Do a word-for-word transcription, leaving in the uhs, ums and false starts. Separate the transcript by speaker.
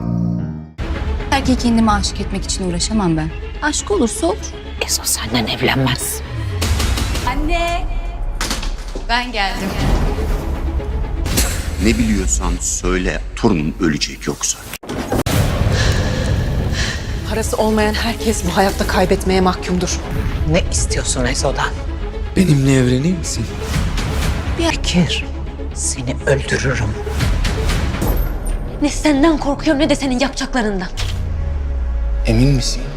Speaker 1: Erkeği kendime aşık etmek için uğraşamam ben. Aşk olursa olur.
Speaker 2: Ezo senden evlenmez.
Speaker 1: Anne! Ben geldim.
Speaker 3: Ne biliyorsan söyle, torunun ölecek yoksa.
Speaker 4: Parası olmayan herkes bu hayatta kaybetmeye mahkumdur.
Speaker 2: Ne istiyorsun Ezo'dan?
Speaker 5: Benimle evlenir misin?
Speaker 2: Bekir, seni öldürürüm.
Speaker 6: Ne senden korkuyorum ne de senin yapacaklarından.
Speaker 5: Emin misin?